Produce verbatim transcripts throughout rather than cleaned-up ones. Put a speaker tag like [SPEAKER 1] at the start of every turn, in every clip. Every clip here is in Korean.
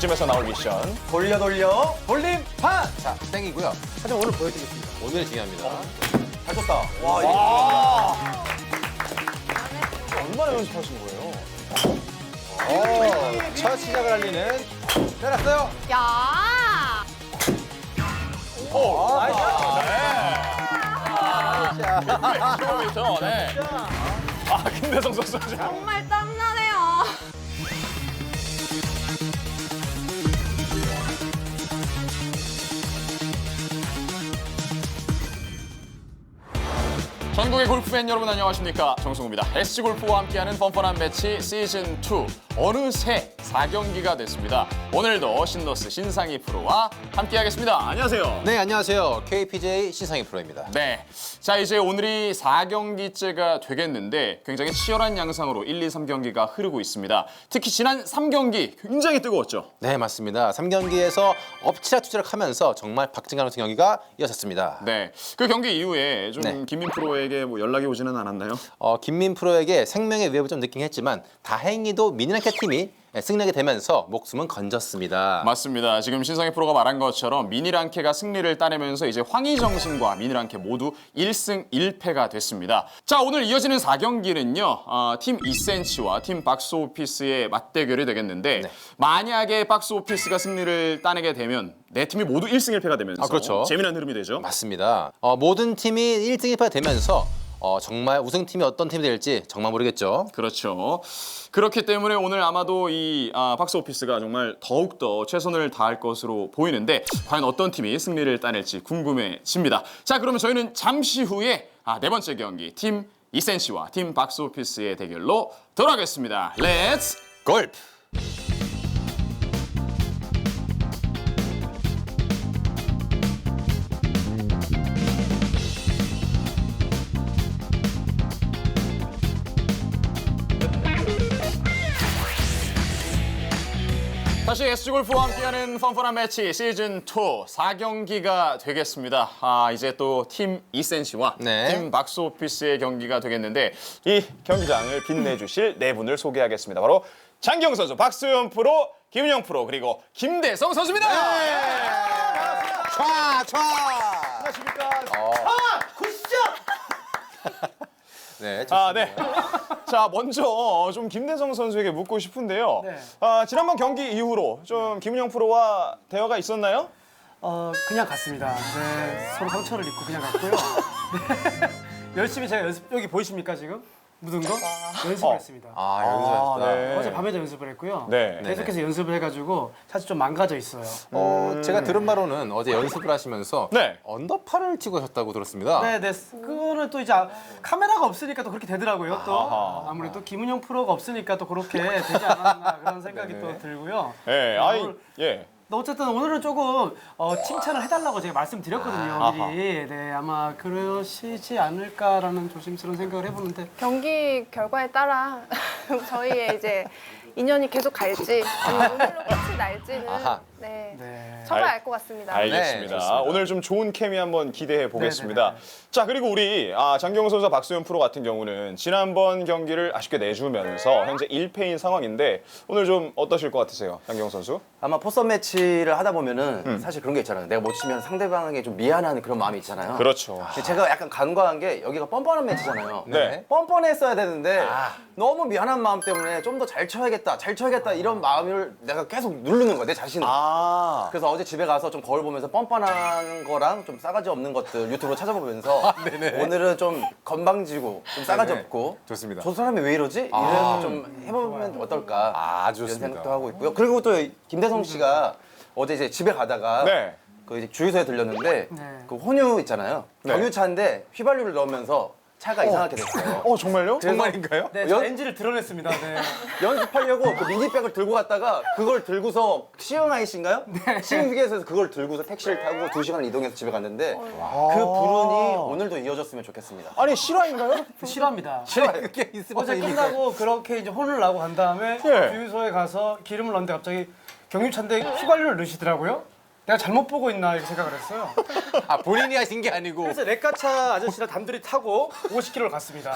[SPEAKER 1] 이쯤에서 나올 미션.
[SPEAKER 2] 돌려 돌려 돌림판.
[SPEAKER 3] 자, 땡이고요.
[SPEAKER 2] 하지만 오늘 보여드리겠습니다.
[SPEAKER 3] 오늘 중요합니다.
[SPEAKER 2] 잘 쳤다. 와,
[SPEAKER 1] 와. 얼마나 연습하신 거예요?
[SPEAKER 3] 오, 첫 시작을 알리는 때렸어요.
[SPEAKER 4] 야!
[SPEAKER 1] 오,
[SPEAKER 2] 나이스.
[SPEAKER 1] 킬로미터. 네. 아, 김대성 선수.
[SPEAKER 4] 정말 땀나네요.
[SPEAKER 1] 전국의 골프팬 여러분 안녕하십니까, 정승우입니다. 에스지골프와 함께하는 뻔뻔한 매치 시즌 투. 어느새 사 경기가 됐습니다. 오늘도 신더스 신상희 프로와 함께하겠습니다. 안녕하세요.
[SPEAKER 3] 네, 안녕하세요. 케이피제이 신상희 프로입니다.
[SPEAKER 1] 네, 자 이제 오늘이 사 경기째가 되겠는데 굉장히 치열한 양상으로 일, 이, 삼 경기가 흐르고 있습니다. 특히 지난 삼 경기 굉장히 뜨거웠죠.
[SPEAKER 3] 네, 맞습니다. 삼 경기에서 엎치락투치락 하면서 정말 박진감 같은 경기가 이어졌습니다.
[SPEAKER 1] 네, 그 경기 이후에 좀
[SPEAKER 3] 네.
[SPEAKER 1] 김민 프로에게 뭐 연락이 오지는 않았나요?
[SPEAKER 3] 어, 김민 프로에게 생명의 위협을 좀 느끼긴 했지만 다행히도 미니랑케 팀이 승리하게 되면서 목숨은 건졌습니다.
[SPEAKER 1] 맞습니다. 지금 신상희 프로가 말한 것처럼 미니랑케가 승리를 따내면서 이제 황희정승과 미니랑케 모두 일 승 일 패가 됐습니다. 자, 오늘 이어지는 사 경기는요. 어, 팀 이센치와 팀 박스오피스의 맞대결이 되겠는데
[SPEAKER 3] 네.
[SPEAKER 1] 만약에 박스오피스가 승리를 따내게 되면 네 팀이 모두 일 승 일 패가 되면서
[SPEAKER 3] 아, 그렇죠.
[SPEAKER 1] 재미난 흐름이 되죠.
[SPEAKER 3] 맞습니다. 어, 모든 팀이 일 승 일 패가 되면서 어, 정말 우승팀이 어떤 팀이 될지 정말 모르겠죠.
[SPEAKER 1] 그렇죠. 그렇기 때문에 오늘 아마도 이 아, 박스오피스가 정말 더욱더 최선을 다할 것으로 보이는데 과연 어떤 팀이 승리를 따낼지 궁금해집니다. 자, 그러면 저희는 잠시 후에 아, 네 번째 경기 팀 이센시와 팀 박스오피스의 대결로 돌아가겠습니다. 렛츠
[SPEAKER 3] 골프!
[SPEAKER 1] 다시 에스지골프와 함께하는 펀펀한 매치 시즌 투 사 경기가 되겠습니다. 아, 이제 또 팀 이센시와
[SPEAKER 3] 네.
[SPEAKER 1] 팀 박스오피스의 경기가 되겠는데 이 경기장을 빛내주실 네 분을 소개하겠습니다. 바로 장경 선수, 박수현 프로, 김은영 프로, 그리고 김대성 선수입니다.
[SPEAKER 3] 촤! 촤!
[SPEAKER 2] 안녕하십니까.
[SPEAKER 3] 어.
[SPEAKER 2] 아, 굿샷.
[SPEAKER 3] 네,
[SPEAKER 1] 아, 네. 자, 먼저 좀 김대성 선수에게 묻고 싶은데요.
[SPEAKER 2] 네.
[SPEAKER 1] 아, 지난번 경기 이후로 좀 김은영 프로와 대화가 있었나요?
[SPEAKER 2] 어, 그냥 갔습니다. 네, 서로 상처를 입고 그냥 갔고요. 네. 열심히 제가 연습, 여기 보이십니까 지금? 묻은 거? 연습을
[SPEAKER 1] 어.
[SPEAKER 2] 했습니다.
[SPEAKER 3] 아, 연습하셨다.
[SPEAKER 1] 네.
[SPEAKER 2] 어제 밤에도 연습을 했고요.
[SPEAKER 1] 네.
[SPEAKER 2] 계속해서 연습을 해가지고 사실 좀 망가져 있어요.
[SPEAKER 3] 어, 제가 들은 바로는 어제 연습을 하시면서
[SPEAKER 1] 네.
[SPEAKER 3] 언더파를 치고 하셨다고 들었습니다.
[SPEAKER 2] 네, 네. 그거는 또 이제 아- 카메라가 없으니까 또 그렇게 되더라고요. 또
[SPEAKER 1] 아하.
[SPEAKER 2] 아무래도 김은영 프로가 없으니까 또 그렇게 되지 않았나 그런 생각이
[SPEAKER 3] 네네.
[SPEAKER 2] 또 들고요.
[SPEAKER 1] 예, 아이,
[SPEAKER 2] 오늘-
[SPEAKER 1] 예.
[SPEAKER 2] 근데 어쨌든 오늘은 조금 어, 칭찬을 해달라고 제가 말씀드렸거든요.
[SPEAKER 1] 아하.
[SPEAKER 2] 미리. 네, 아마 그러시지 않을까라는 조심스러운 생각을 해보는데.
[SPEAKER 4] 경기 결과에 따라 저희의 이제 인연이 계속 갈지 아니면 오늘로 끝이 날지는
[SPEAKER 3] 아하.
[SPEAKER 4] 네,
[SPEAKER 2] 네.
[SPEAKER 4] 정말
[SPEAKER 1] 알-
[SPEAKER 4] 알 것 같습니다.
[SPEAKER 1] 알겠습니다.
[SPEAKER 3] 네, 좋습니다.
[SPEAKER 1] 오늘 좀 좋은 케미 한번 기대해 보겠습니다.
[SPEAKER 2] 네네네.
[SPEAKER 1] 자, 그리고 우리 아, 장경호 선수와 박수현 프로 같은 경우는 지난번 경기를 아쉽게 내주면서 현재 일 패인 상황인데 오늘 좀 어떠실 것 같으세요, 장경호 선수?
[SPEAKER 5] 아마 포선 매치를 하다 보면은
[SPEAKER 1] 음.
[SPEAKER 5] 사실 그런 게 있잖아요. 내가 못 치면 상대방에게 좀 미안한 그런 마음이 있잖아요.
[SPEAKER 1] 그렇죠.
[SPEAKER 5] 근데 제가 약간 간과한 게 여기가 뻔뻔한 매치잖아요.
[SPEAKER 1] 네.
[SPEAKER 5] 뻔뻔했어야 되는데 너무 미안한 마음 때문에 좀 더 잘 쳐야겠다, 잘 쳐야겠다 이런 마음을 내가 계속 누르는 거야, 내 자신을.
[SPEAKER 1] 아,
[SPEAKER 5] 그래서 어제 집에 가서 좀 거울 보면서 뻔뻔한 거랑 좀 싸가지 없는 것들 유튜브로 찾아보면서 오늘은 좀 건방지고 좀 싸가지
[SPEAKER 3] 네네.
[SPEAKER 5] 없고
[SPEAKER 3] 좋습니다.
[SPEAKER 5] 저 사람이 왜 이러지? 이래서 좀 해보면 어떨까
[SPEAKER 3] 아, 아주
[SPEAKER 5] 이런
[SPEAKER 3] 좋습니다.
[SPEAKER 5] 생각도 하고 있고요. 그리고 또 김대성 씨가 어제 이제 집에 가다가
[SPEAKER 1] 네.
[SPEAKER 5] 그 이제 주유소에 들렸는데
[SPEAKER 2] 네.
[SPEAKER 5] 그 혼유 있잖아요.
[SPEAKER 1] 네.
[SPEAKER 5] 경유차인데 휘발유를 넣으면서 차가 이상하게 됐어요.
[SPEAKER 1] 어, 정말요?
[SPEAKER 3] 정말인가요?
[SPEAKER 2] 네,
[SPEAKER 5] 연-
[SPEAKER 2] 저 엔진을 드러냈습니다. 네.
[SPEAKER 5] 연습하려고 그 미니백을 들고 갔다가 그걸 들고서 시흥아이씨인가요?
[SPEAKER 2] 네.
[SPEAKER 5] 시흥휴게소에서 그걸 들고서 택시를 타고 두 시간 이동해서 집에 갔는데 그
[SPEAKER 2] 아.
[SPEAKER 5] 불운이 오늘도 이어졌으면 좋겠습니다.
[SPEAKER 1] 아니, 실화인가요?
[SPEAKER 2] 싫어합니다.
[SPEAKER 3] 그게 있으면
[SPEAKER 2] 어제
[SPEAKER 3] 이기고.
[SPEAKER 2] 끝나고 그렇게 이제 혼을 나고 간 다음에
[SPEAKER 1] 예.
[SPEAKER 2] 주유소에 가서 기름을 넣는데 갑자기 경유차인데 휘발유를 넣으시더라고요. 내가 잘못 보고 있나 이렇게 생각을 했어요.
[SPEAKER 3] 아, 본인이 하신 게 아니고.
[SPEAKER 2] 그래서 레카차 아저씨랑 단둘이 타고 오십 킬로미터를 갔습니다.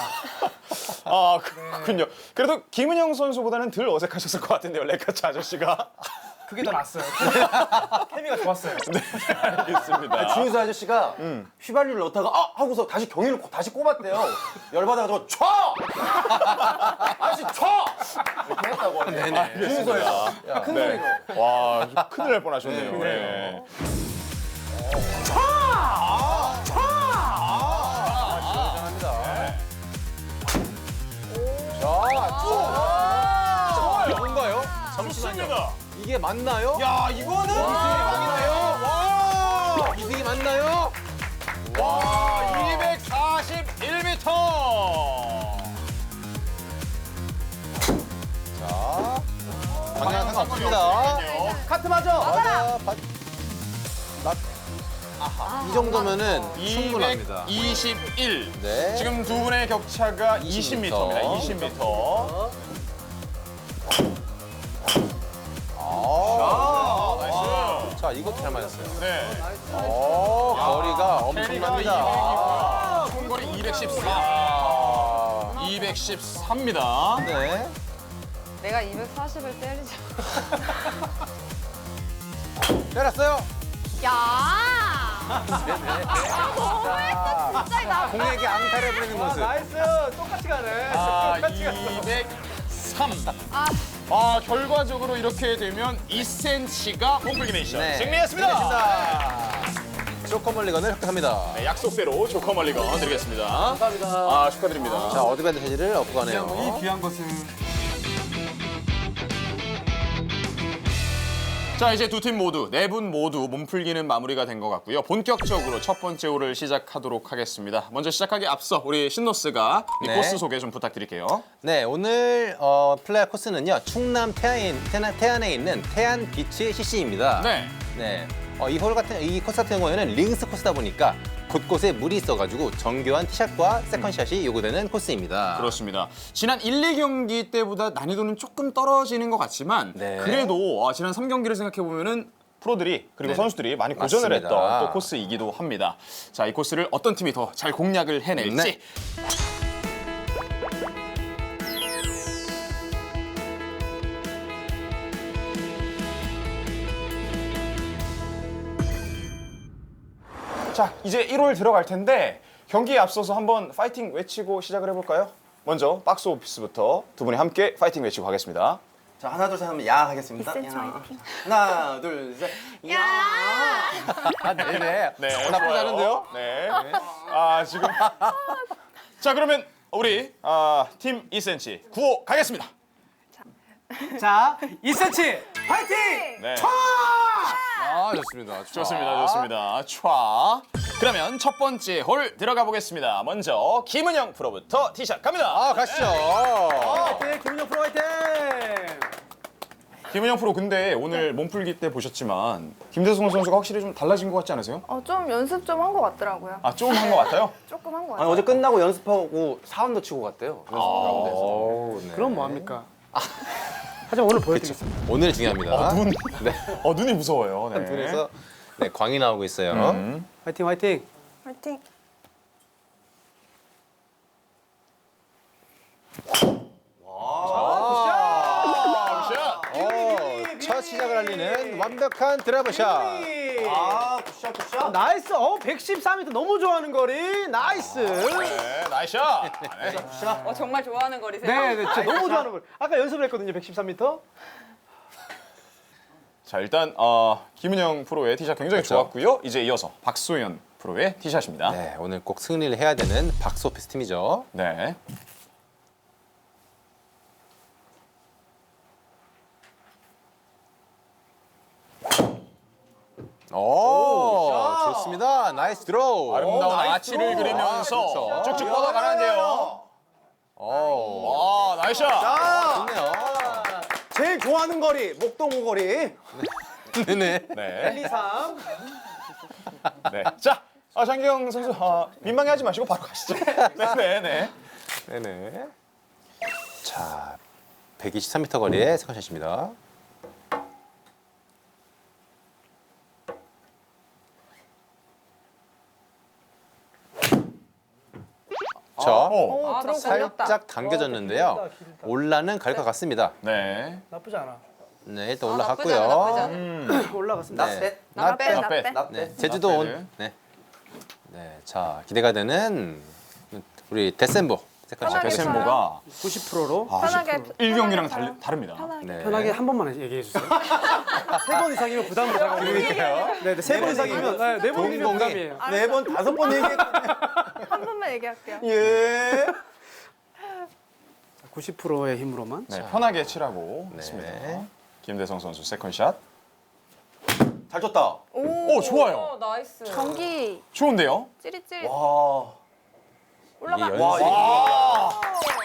[SPEAKER 1] 아, 그렇군요. 그래도 김은영 선수보다는 덜 어색하셨을 것 같은데요, 레카차 아저씨가.
[SPEAKER 2] 그게 더 낫어요. 케미가 좋았어요.
[SPEAKER 1] 알겠습니다.
[SPEAKER 5] 주유소 아저씨가 휘발유를 넣다가 아 하고서 다시 경위를 고- 다시 꼽았대요. 열받아가지고 쳐! 다시 쳐! 이렇게 했다고 하네. 주유소에서. 큰 소리로.
[SPEAKER 1] 와, 좀 큰일 날 뻔하셨네요. 네.
[SPEAKER 3] 뭔가요?
[SPEAKER 1] 좋습니다.
[SPEAKER 3] 이게 맞나요?
[SPEAKER 1] 야, 이거는 대박이네요. 와,
[SPEAKER 3] 이승이 맞나요?
[SPEAKER 1] 와, 이백사십일 미터.
[SPEAKER 3] 자, 방향 상관없습니다.
[SPEAKER 5] 카트 맞아.
[SPEAKER 3] 맞아. 바... 나... 이 정도면은 충분합니다.
[SPEAKER 1] 이백이십일.
[SPEAKER 3] 네.
[SPEAKER 1] 지금 두 분의 격차가 이십 미터입니다. 이십 미터.
[SPEAKER 3] 아,
[SPEAKER 1] 나이스.
[SPEAKER 3] 자, 이것도 잘 맞았어요.
[SPEAKER 1] 네.
[SPEAKER 3] 오, 거리가 엄청납니다.
[SPEAKER 1] 총거리 이백십사.
[SPEAKER 3] 아,
[SPEAKER 1] 이백십사입니다.
[SPEAKER 3] 네.
[SPEAKER 4] 내가 이백사십을 때리자.
[SPEAKER 3] 때렸어요.
[SPEAKER 4] 야! 너무했어 진짜 나.
[SPEAKER 3] 공에게 앙탈을 부리는 모습.
[SPEAKER 2] 나이스. 똑같이 가네.
[SPEAKER 1] 아,
[SPEAKER 2] 똑같이 갔어.
[SPEAKER 1] 이백삼.
[SPEAKER 4] 아,
[SPEAKER 1] 아, 결과적으로 이렇게 되면 이 센티미터가 몸풀기 미션
[SPEAKER 3] 네.
[SPEAKER 1] 승리했습니다.
[SPEAKER 3] 승리했습니다. 쇼커멀리건을 획득합니다.
[SPEAKER 1] 네, 약속대로 조커 멀리건 드리겠습니다.
[SPEAKER 5] 감사합니다.
[SPEAKER 1] 아, 축하드립니다.
[SPEAKER 3] 자, 어드밴티지를 얻고 가네요.
[SPEAKER 2] 이 귀한 것은
[SPEAKER 1] 자, 이제 두 팀 모두, 네 분 모두 몸풀기는 마무리가 된 것 같고요. 본격적으로 첫 번째 홀을 시작하도록 하겠습니다. 먼저 시작하기 앞서 우리 신노스가 이
[SPEAKER 3] 네.
[SPEAKER 1] 코스 소개 좀 부탁드릴게요.
[SPEAKER 3] 네, 오늘 어, 플레이할 코스는요. 충남 태안에, 태안, 태안에 있는 태안 비치 씨씨입니다.
[SPEAKER 1] 네.
[SPEAKER 3] 네. 어, 이 홀 같은 이 코스 같은 경우에는 링스 코스다 보니까 곳곳에 물이 있어가지고 정교한 티샷과 세컨샷이 요구되는 코스입니다.
[SPEAKER 1] 그렇습니다. 지난 일, 이 경기 때보다 난이도는 조금 떨어지는 것 같지만
[SPEAKER 3] 네.
[SPEAKER 1] 그래도 아, 지난 삼 경기를 생각해 보면은 프로들이 그리고
[SPEAKER 3] 네.
[SPEAKER 1] 선수들이 많이 고전을
[SPEAKER 3] 맞습니다.
[SPEAKER 1] 했던 또 코스이기도 합니다. 자, 이 코스를 어떤 팀이 더 잘 공략을 해낼지.
[SPEAKER 3] 네.
[SPEAKER 1] 자, 이제 일 홀 들어갈 텐데 경기에 앞서서 한번 파이팅 외치고 시작을 해볼까요? 먼저 박스 오피스부터 두 분이 함께 파이팅 외치고 가겠습니다.
[SPEAKER 5] 자, 하나, 둘, 셋 하면 야 하겠습니다.
[SPEAKER 4] 이 센티
[SPEAKER 5] 야.
[SPEAKER 4] 화이팅.
[SPEAKER 5] 하나, 둘, 셋. 야!
[SPEAKER 3] 아, 네네.
[SPEAKER 1] 네,
[SPEAKER 3] 어, 나쁘지
[SPEAKER 1] 좋아요.
[SPEAKER 3] 않은데요?
[SPEAKER 1] 네. 아, 지금. 자, 그러면 우리 아, 팀 이 센티미터 구 호 가겠습니다.
[SPEAKER 2] 자, 이 센티미터 파이팅!
[SPEAKER 1] 네.
[SPEAKER 3] 아, 좋습니다.
[SPEAKER 1] 좋습니다, 좋습니다. 촤. 그러면 첫 번째 홀 들어가 보겠습니다. 먼저 김은영 프로부터 티샷 갑니다.
[SPEAKER 3] 아, 가시죠.
[SPEAKER 2] 파이팅! 김은영 프로 파이팅!
[SPEAKER 1] 김은영 프로 근데 오늘 몸풀기 때 보셨지만 김대성 선수가 확실히 좀 달라진 것 같지 않으세요?
[SPEAKER 4] 어, 좀 연습 좀 한 것 같더라고요.
[SPEAKER 1] 아, 좀 한 것 같아요?
[SPEAKER 4] 조금 한 것
[SPEAKER 5] 아니,
[SPEAKER 4] 같아요.
[SPEAKER 5] 어제 끝나고 연습하고 사운드 치고 갔대요. 연습 가운데서.
[SPEAKER 3] 오, 네.
[SPEAKER 2] 그럼 뭐 합니까? 하지만 오늘 보여드리겠습니다.
[SPEAKER 3] 오늘 중요합니다.
[SPEAKER 1] 눈.
[SPEAKER 3] 네.
[SPEAKER 1] 어, 눈이 무서워요. 네.
[SPEAKER 3] 눈에서 네, 광이 나오고 있어요.
[SPEAKER 1] 음.
[SPEAKER 2] 파이팅 파이팅!
[SPEAKER 4] 파이팅.
[SPEAKER 1] 아, 샷.
[SPEAKER 3] 어, 첫 시작을 알리는 완벽한 드라이브 샷.
[SPEAKER 5] 아, 굿샷, 굿샷.
[SPEAKER 2] 나이스! 어, 백십사 미터 너무 좋아하는 거리. 나이스!
[SPEAKER 1] 네, 나이스 샷. 네.
[SPEAKER 6] 어, 정말 좋아하는 거리세요?
[SPEAKER 2] 네, 네, 진짜 너무 좋아하는 거리. 아까 연습을 했거든요, 백십삼 미터.
[SPEAKER 1] 자, 일단 어, 김은영 프로의 티샷 굉장히
[SPEAKER 3] 그렇죠.
[SPEAKER 1] 좋았고요. 이제 이어서 박소연 프로의 티샷입니다.
[SPEAKER 3] 네, 오늘 꼭 승리를 해야 되는 박스오피스 팀이죠.
[SPEAKER 1] 네.
[SPEAKER 3] 오, 좋습니다. 나이스 드로우.
[SPEAKER 1] 아름다운
[SPEAKER 5] 나이스
[SPEAKER 1] 아치를
[SPEAKER 5] 드로우.
[SPEAKER 1] 그리면서
[SPEAKER 3] 아, 그렇죠.
[SPEAKER 1] 쭉쭉 뻗어가는데요.
[SPEAKER 3] 오,
[SPEAKER 1] 와, 나이스 샷.
[SPEAKER 3] 좋네요.
[SPEAKER 5] 제일 좋아하는 거리, 목동호 거리.
[SPEAKER 3] 네네.
[SPEAKER 1] 네.
[SPEAKER 2] 일, 이, 삼.
[SPEAKER 1] 네. 자, 아, 장기영 선수 아, 민망해하지 마시고 바로 가시죠. 네, 네, 네.
[SPEAKER 3] 네네. 자, 백이십삼 미터 거리의 세컨샷입니다. 자,
[SPEAKER 1] 오.
[SPEAKER 4] 오, 들어
[SPEAKER 3] 살짝 당겨졌는데요.
[SPEAKER 2] 길다, 길다.
[SPEAKER 3] 올라는 갈 것 같습니다.
[SPEAKER 1] 네.
[SPEAKER 2] 나쁘지 않아.
[SPEAKER 3] 네, 일단
[SPEAKER 6] 아, 나쁘지 않아, 나쁘지
[SPEAKER 3] 올라갔고요.
[SPEAKER 6] 않아.
[SPEAKER 1] 음.
[SPEAKER 2] 올라갔습니다.
[SPEAKER 3] 네.
[SPEAKER 5] 낫셋.
[SPEAKER 4] 나빼
[SPEAKER 1] 나 빼.
[SPEAKER 4] 나빼.
[SPEAKER 5] 낫
[SPEAKER 3] 네,
[SPEAKER 5] 네.
[SPEAKER 3] 제주도
[SPEAKER 1] 나
[SPEAKER 3] 온.
[SPEAKER 1] 빼네.
[SPEAKER 3] 네. 네, 자 기대가 되는 우리 데센보 세컨
[SPEAKER 4] 편하게
[SPEAKER 3] 샷.
[SPEAKER 4] 쳐요.
[SPEAKER 1] 데센보가
[SPEAKER 2] 구십 퍼센트로
[SPEAKER 4] 편하게
[SPEAKER 1] 일 경기랑
[SPEAKER 4] 편하게
[SPEAKER 1] 달, 다릅니다.
[SPEAKER 4] 편하게.
[SPEAKER 3] 네.
[SPEAKER 2] 편하게 한 번만 얘기해 주세요. 세 번 이상이면 부담을 가고.
[SPEAKER 3] 그러니까요.
[SPEAKER 2] 네, 네, 세 번 이상이면 네, 네 번이면
[SPEAKER 3] 동공이.
[SPEAKER 2] 부담이에요.
[SPEAKER 5] 네 번, 다섯 번 얘기했거든요.
[SPEAKER 4] 한 번만 얘기할게요.
[SPEAKER 5] 예.
[SPEAKER 2] 구십 퍼센트의 힘으로만.
[SPEAKER 1] 네, 편하게 치라고
[SPEAKER 3] 네.
[SPEAKER 1] 했습니다. 김대성 선수 세컨샷.
[SPEAKER 5] 잘 쳤다.
[SPEAKER 1] 오, 좋아요.
[SPEAKER 6] 어, 나이스.
[SPEAKER 4] 경기
[SPEAKER 1] 좋은데요?
[SPEAKER 4] 찌릿찌릿
[SPEAKER 5] 와.
[SPEAKER 4] 올라가.
[SPEAKER 3] 이게
[SPEAKER 5] 와,
[SPEAKER 3] 연습.
[SPEAKER 1] 아,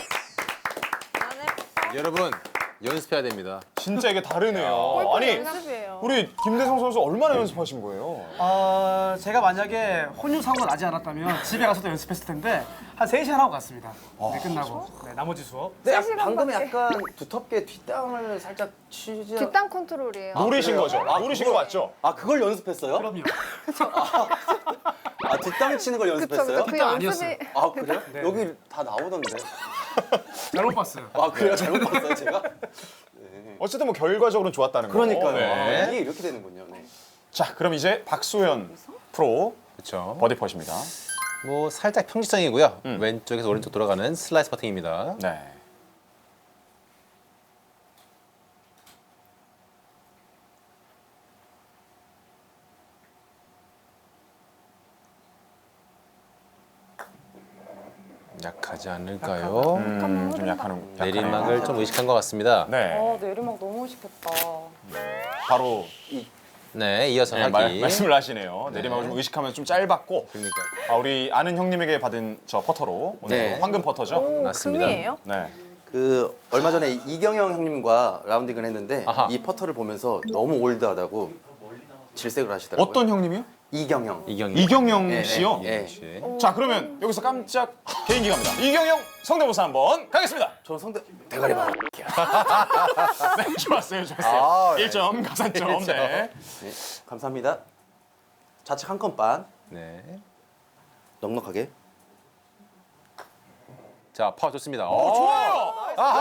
[SPEAKER 6] 나는
[SPEAKER 3] 여러분 연습해야 됩니다.
[SPEAKER 1] 진짜 이게 다르네요.
[SPEAKER 4] 골프
[SPEAKER 1] 아니,
[SPEAKER 4] 연습이에요.
[SPEAKER 1] 우리 김대성 선수 얼마나 연습하신 거예요?
[SPEAKER 2] 어, 제가 만약에 혼유 사고가 나지 않았다면 집에 가서도 연습했을 텐데 한 세 시간 하고 갔습니다. 네, 끝나고. 네, 나머지 수업.
[SPEAKER 5] 근데 약-
[SPEAKER 4] 세 시간밖에.
[SPEAKER 5] 방금 약간 두텁게 뒷땅을 살짝 치지. 않-
[SPEAKER 4] 뒷땅 컨트롤이에요.
[SPEAKER 1] 노리신
[SPEAKER 5] 그래요?
[SPEAKER 1] 거죠?
[SPEAKER 5] 아,
[SPEAKER 1] 노리신
[SPEAKER 5] 그걸-
[SPEAKER 1] 거 맞죠?
[SPEAKER 5] 아, 그걸 연습했어요?
[SPEAKER 2] 그럼요.
[SPEAKER 5] 아, 뒷땅 치는 걸
[SPEAKER 4] 그쵸
[SPEAKER 5] 연습했어요?
[SPEAKER 4] 그쵸 그
[SPEAKER 2] 뒷땅
[SPEAKER 4] 연습이
[SPEAKER 2] 아니었어요.
[SPEAKER 5] 아, 그래요?
[SPEAKER 2] 네.
[SPEAKER 5] 여기 다 나오던데.
[SPEAKER 2] 잘못 봤어요.
[SPEAKER 5] 아, 그래요? 잘못 봤어요, 제가?
[SPEAKER 1] 어쨌든 뭐 결과적으로는 좋았다는 거.
[SPEAKER 5] 그러니까요.
[SPEAKER 1] 네.
[SPEAKER 5] 아, 이게 이렇게 되는군요. 네.
[SPEAKER 1] 자, 그럼 이제 박소연 프로
[SPEAKER 3] 그렇죠.
[SPEAKER 1] 버디 퍼십니다.
[SPEAKER 3] 뭐 살짝 평지성이고요.
[SPEAKER 1] 음.
[SPEAKER 3] 왼쪽에서 오른쪽 돌아가는 슬라이스 퍼팅입니다.
[SPEAKER 1] 네.
[SPEAKER 3] 약하지 않을까요?
[SPEAKER 1] 음, 좀 약하는
[SPEAKER 3] 내리막을 좀 의식한 것 같습니다.
[SPEAKER 1] 네.
[SPEAKER 6] 어, 내리막 너무 쉽겠다.
[SPEAKER 1] 바로
[SPEAKER 3] 네, 이어서
[SPEAKER 1] 네,
[SPEAKER 3] 하기.
[SPEAKER 1] 말, 말씀을 하시네요.
[SPEAKER 3] 네.
[SPEAKER 1] 내리막을 좀 의식하면 좀 짧았고
[SPEAKER 3] 그러니까
[SPEAKER 1] 아, 우리 아는 형님에게 받은 저 퍼터로 오늘
[SPEAKER 5] 네.
[SPEAKER 1] 황금 퍼터죠.
[SPEAKER 4] 오,
[SPEAKER 3] 맞습니다.
[SPEAKER 4] 금이에요?
[SPEAKER 1] 네.
[SPEAKER 5] 그 얼마 전에 이경영 형님과 라운딩을 했는데
[SPEAKER 3] 아하.
[SPEAKER 5] 이 퍼터를 보면서 너무 올드하다고 질색을 하시더라고요.
[SPEAKER 1] 어떤 형님이요?
[SPEAKER 5] 이경영.
[SPEAKER 3] 이경이.
[SPEAKER 1] 이경영
[SPEAKER 5] 네,
[SPEAKER 1] 씨요.
[SPEAKER 5] 네.
[SPEAKER 3] 씨.
[SPEAKER 1] 자, 그러면 여기서 깜짝 개인기 갑니다. 이경영 성대모사 한번 가겠습니다.
[SPEAKER 5] 저는 성대 대가리 봐.
[SPEAKER 1] 네, 좋았어요, 좋았어요.
[SPEAKER 5] 아, 네.
[SPEAKER 1] 일 점 가산점.
[SPEAKER 3] 일 점.
[SPEAKER 1] 네.
[SPEAKER 5] 네, 감사합니다. 좌측 한 건 반.
[SPEAKER 3] 네.
[SPEAKER 5] 넉넉하게.
[SPEAKER 3] 자, 파워 좋습니다.
[SPEAKER 1] 오,
[SPEAKER 3] 어,
[SPEAKER 1] 좋아요.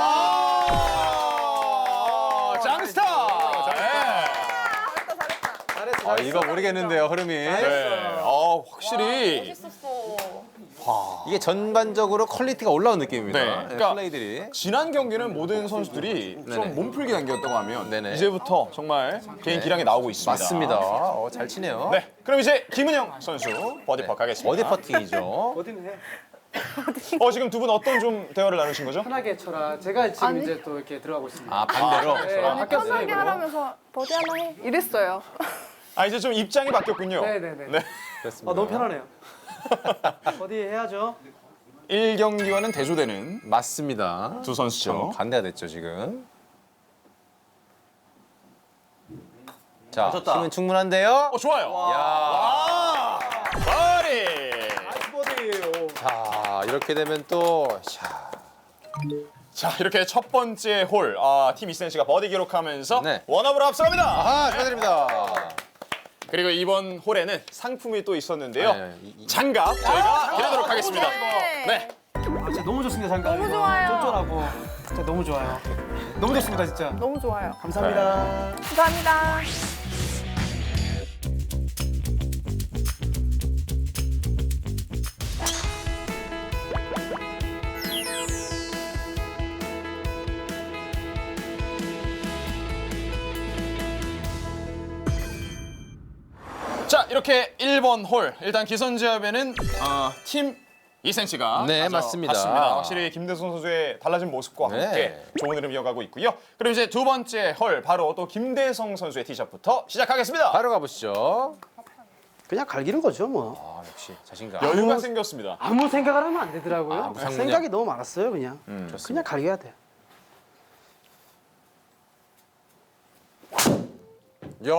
[SPEAKER 1] 아하. 짱스타. 네.
[SPEAKER 3] 아, 이거 모르겠는데요, 흐름이.
[SPEAKER 1] 네. 어, 확실히
[SPEAKER 6] 멋있었어.
[SPEAKER 3] 이게 전반적으로 퀄리티가 올라온 느낌입니다.
[SPEAKER 1] 네,
[SPEAKER 3] 네,
[SPEAKER 1] 그러니까
[SPEAKER 3] 플레이들이.
[SPEAKER 1] 지난 경기는 모든 선수들이
[SPEAKER 3] 네네.
[SPEAKER 1] 좀 몸풀기 경기였다고 하면
[SPEAKER 3] 네네.
[SPEAKER 1] 이제부터 정말 개인 기량이 나오고 있습니다.
[SPEAKER 3] 맞습니다. 어, 잘 치네요.
[SPEAKER 1] 네, 그럼 이제 김은영 선수 버디 퍼 가겠습니다.
[SPEAKER 3] 어디 퍼팅이죠?
[SPEAKER 2] 어디는 해.
[SPEAKER 1] 어, 지금 두 분 어떤 좀 대화를 나누신 거죠?
[SPEAKER 2] 편하게 쳐라. 제가 지금
[SPEAKER 4] 아니.
[SPEAKER 2] 이제 또 이렇게 들어가고 있습니다.
[SPEAKER 3] 아, 반대로.
[SPEAKER 2] 네,
[SPEAKER 4] 아니
[SPEAKER 2] 바뀌었어요,
[SPEAKER 4] 편하게
[SPEAKER 2] 이거.
[SPEAKER 4] 하라면서 버디 하나 해 이랬어요.
[SPEAKER 1] 아, 이제 좀 입장이 바뀌었군요.
[SPEAKER 2] 네네네.
[SPEAKER 1] 네.
[SPEAKER 3] 그렇습니다.
[SPEAKER 2] 아, 너무 편하네요. 어디 해야죠?
[SPEAKER 1] 일 경기와는 대조되는
[SPEAKER 3] 맞습니다.
[SPEAKER 1] 두 선수죠.
[SPEAKER 3] 반대가 됐죠, 지금. 자,
[SPEAKER 5] 맞췄다.
[SPEAKER 3] 힘은 충분한데요.
[SPEAKER 1] 어, 좋아요.
[SPEAKER 3] 야.
[SPEAKER 1] 아, 버디.
[SPEAKER 3] 자, 이렇게 되면 또 샤.
[SPEAKER 1] 자, 이렇게 첫 번째 홀, 아, 팀 이센시가 버디 기록하면서
[SPEAKER 3] 네.
[SPEAKER 1] 원업으로 앞서갑니다.
[SPEAKER 3] 아, 축하드립니다.
[SPEAKER 1] 그리고 이번 홀에는 상품이 또 있었는데요.
[SPEAKER 3] 네, 이- 이-
[SPEAKER 1] 장갑 저희가 드리도록 하겠습니다.
[SPEAKER 4] 네.
[SPEAKER 1] 네.
[SPEAKER 2] 아, 진짜 너무 좋습니다, 잠깐.
[SPEAKER 4] 너무
[SPEAKER 2] 이거.
[SPEAKER 4] 좋아요.
[SPEAKER 2] 쫀쫀하고. 진짜 너무 좋아요. 너무 좋습니다, 진짜.
[SPEAKER 4] 너무 좋아요.
[SPEAKER 2] 감사합니다.
[SPEAKER 4] 감사합니다.
[SPEAKER 1] 자, 이렇게 일 번 홀. 일단 기선제압에는 어, 팀 이센시가
[SPEAKER 3] 네, 맞습니다.
[SPEAKER 1] 갔습니다. 확실히 김대성 선수의 달라진 모습과
[SPEAKER 3] 네.
[SPEAKER 1] 함께 좋은 흐름 이어가고 있고요. 그럼 이제 두 번째 홀 바로 또 김대성 선수의 티샷부터 시작하겠습니다.
[SPEAKER 3] 바로 가보시죠.
[SPEAKER 2] 그냥 갈기는 거죠, 뭐.
[SPEAKER 3] 아, 역시 자신감.
[SPEAKER 1] 여유가 생겼습니다.
[SPEAKER 2] 아무 생각을 하면 안 되더라고요.
[SPEAKER 3] 아, 무상문양.
[SPEAKER 2] 생각이 너무 많았어요, 그냥.
[SPEAKER 1] 음,
[SPEAKER 2] 그냥 갈겨야 돼.
[SPEAKER 3] 야.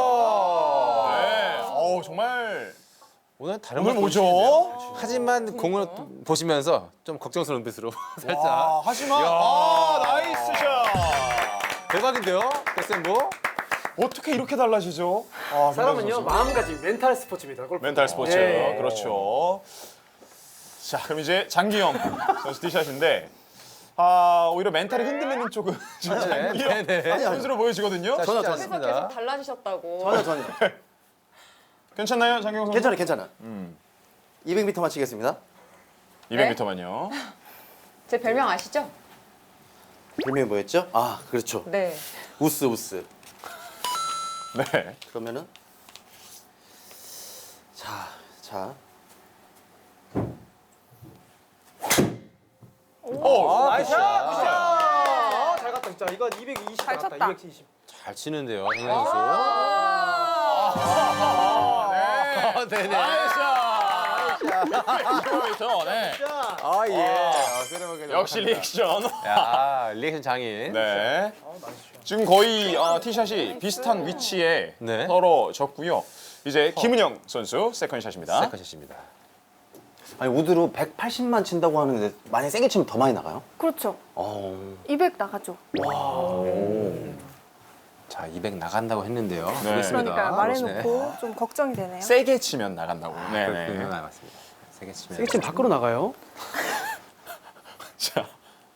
[SPEAKER 1] 네. 어우, 정말
[SPEAKER 3] 오늘 다른
[SPEAKER 1] 오늘
[SPEAKER 3] 걸
[SPEAKER 1] 뭐죠?
[SPEAKER 3] 보여주시는데요? 하지만 공을 보시면서 좀 걱정스러운 눈빛으로 살짝.
[SPEAKER 1] 아, 하지만 아, 나이스 샷.
[SPEAKER 3] 대박인데요, 데센보?
[SPEAKER 1] 어떻게 이렇게 달라지죠? 아,
[SPEAKER 2] 사람은요,
[SPEAKER 1] 김대성 선수.
[SPEAKER 2] 마음가짐, 멘탈 스포츠입니다. 골프.
[SPEAKER 1] 멘탈 스포츠.
[SPEAKER 2] 예.
[SPEAKER 1] 그렇죠. 자, 그럼 이제 장기영 선수 티샷인데 아, 오히려 멘탈이 흔들리는 쪽은 장기영
[SPEAKER 3] 네네.
[SPEAKER 1] 선수로 보여지거든요.
[SPEAKER 3] 자,
[SPEAKER 5] 전혀,
[SPEAKER 3] 쉽지
[SPEAKER 5] 전혀.
[SPEAKER 6] 그래서
[SPEAKER 3] 않습니다.
[SPEAKER 6] 계속 달라지셨다고.
[SPEAKER 5] 전혀 전혀.
[SPEAKER 1] 괜찮나요, 장기영 선수?
[SPEAKER 5] 괜찮아 괜찮아. 이백 미터 맞히겠습니다.
[SPEAKER 1] 이백 미터만요.
[SPEAKER 6] 제 별명 아시죠?
[SPEAKER 5] 별명이 뭐였죠? 아 그렇죠.
[SPEAKER 6] 네.
[SPEAKER 5] 우스 우스.
[SPEAKER 1] 네.
[SPEAKER 5] 그러면은 자 자.
[SPEAKER 1] 오,
[SPEAKER 2] 나이스 샷! 굿샷! 아, 잘 갔다 진짜. 이거 이백이십
[SPEAKER 4] 잘
[SPEAKER 2] 나갔다.
[SPEAKER 4] 쳤다.
[SPEAKER 2] 이백칠십.
[SPEAKER 3] 잘 치는데요, 장기영 선수.
[SPEAKER 1] 아,
[SPEAKER 3] 네네.
[SPEAKER 1] 나이스 샷! 네.
[SPEAKER 3] 아 예.
[SPEAKER 1] 역시 리액션.
[SPEAKER 3] 야 리액션 장인.
[SPEAKER 1] 네. 지금 거의 어, 티샷이 비슷한 위치에
[SPEAKER 3] 네.
[SPEAKER 1] 떨어졌고요. 이제 김은영 선수 세컨샷입니다.
[SPEAKER 3] 세컨샷입니다.
[SPEAKER 5] 아니 우드로 백팔십만 친다고 하는데 만약 세게 치면 더 많이 나가요?
[SPEAKER 4] 그렇죠.
[SPEAKER 5] 어.
[SPEAKER 4] 이백 나가죠.
[SPEAKER 3] 자, 이백 나간다고 했는데요.
[SPEAKER 1] 네.
[SPEAKER 3] 보겠습니다.
[SPEAKER 4] 그러니까
[SPEAKER 3] 네.
[SPEAKER 4] 말해놓고 좀 걱정이 되네요.
[SPEAKER 1] 세게 치면 나간다고. 네,
[SPEAKER 3] 그렇군요.
[SPEAKER 1] 네.
[SPEAKER 3] 아, 맞습니다. 세게 치면.
[SPEAKER 2] 세게 치면 밖으로 나가요.
[SPEAKER 1] 자,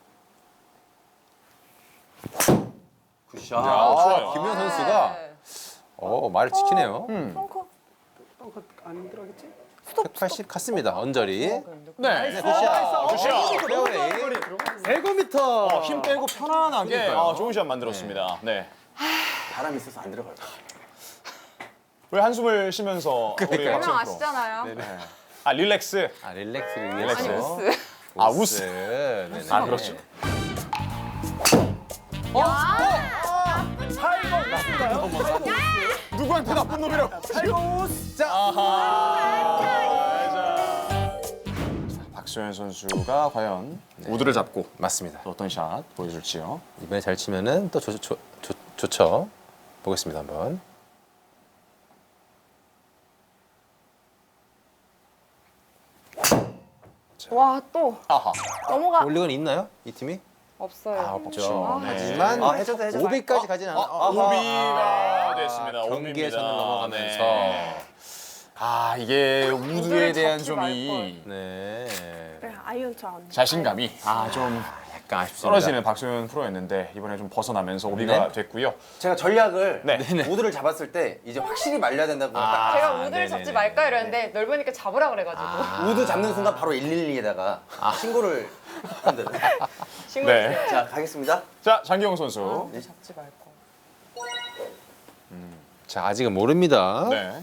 [SPEAKER 5] 굿샷.
[SPEAKER 1] 야, 좋아요.
[SPEAKER 3] 김현 선수가 어, 말을 지키네요.
[SPEAKER 4] 펑커
[SPEAKER 2] 어, 안 들어가겠지?
[SPEAKER 3] 백팔십 갔습니다. 언저리.
[SPEAKER 1] 네.
[SPEAKER 3] 네, 굿샷.
[SPEAKER 1] 굿샷.
[SPEAKER 3] 페어웨이.
[SPEAKER 2] 백 미터.
[SPEAKER 1] 어, 힘 빼고 편안하게 어, 좋은 샷 만들었습니다. 네.
[SPEAKER 5] 바람이 있어서 안 들어갈 거야.
[SPEAKER 1] 왜 한숨을 쉬면서 우리
[SPEAKER 6] 별명
[SPEAKER 1] 박수영 프로.
[SPEAKER 6] 아시잖아요.
[SPEAKER 1] 아, 릴렉스.
[SPEAKER 3] 아, 릴렉스를
[SPEAKER 6] 아니
[SPEAKER 3] 위해서.
[SPEAKER 6] 우스.
[SPEAKER 1] 아, 우스.
[SPEAKER 3] 네네.
[SPEAKER 1] 아, 그렇죠. 누구한테 나쁜 놈이라고. 자, 아하. 자, 박소연 선수가 과연 우드를 잡고
[SPEAKER 3] 맞습니다.
[SPEAKER 1] 또 어떤 샷 보여줄지요.
[SPEAKER 3] 이번에 잘 치면은 또 좋, 좋, 좋, 좋죠. 보겠습니다, 한번.
[SPEAKER 4] 와 또
[SPEAKER 1] 아하.
[SPEAKER 4] 넘어가.
[SPEAKER 3] 올리건 있나요? 이 팀이?
[SPEAKER 6] 없어요.
[SPEAKER 3] 아, 없죠.
[SPEAKER 1] 네.
[SPEAKER 3] 하지만
[SPEAKER 5] 아 해줘도 해줘도.
[SPEAKER 3] 오비까지 가진 않아. 어,
[SPEAKER 1] 오비가 됐습니다.
[SPEAKER 3] 경기에서는
[SPEAKER 1] 오비입니다.
[SPEAKER 3] 넘어가면서.
[SPEAKER 1] 네. 아, 이게 우드에
[SPEAKER 6] 우드를
[SPEAKER 1] 대한
[SPEAKER 6] 잡지
[SPEAKER 1] 좀이
[SPEAKER 3] 네.
[SPEAKER 4] 그래 아이언처럼.
[SPEAKER 1] 자신감이 아, 좀
[SPEAKER 3] 약간 아쉽습니다.
[SPEAKER 1] 떨어지는 박소연 프로였는데 이번에 좀 벗어나면서 오비가
[SPEAKER 3] 네.
[SPEAKER 1] 됐고요.
[SPEAKER 5] 제가 전략을
[SPEAKER 1] 네.
[SPEAKER 5] 우드를 잡았을 때 이제 확실히 말려야 된다고
[SPEAKER 3] 아.
[SPEAKER 6] 제가
[SPEAKER 3] 아,
[SPEAKER 6] 우드를
[SPEAKER 3] 네네네.
[SPEAKER 6] 잡지 말까 이랬는데 넓으니까 잡으라 그래가지고
[SPEAKER 5] 우드 잡는 순간 바로 일일이에다가 신고를 한대.
[SPEAKER 6] 신고했어요.
[SPEAKER 1] 네.
[SPEAKER 5] 자 가겠습니다.
[SPEAKER 1] 자, 장기영 선수.
[SPEAKER 6] 잡지 말고.
[SPEAKER 3] 자, 아직은 모릅니다.
[SPEAKER 1] 네.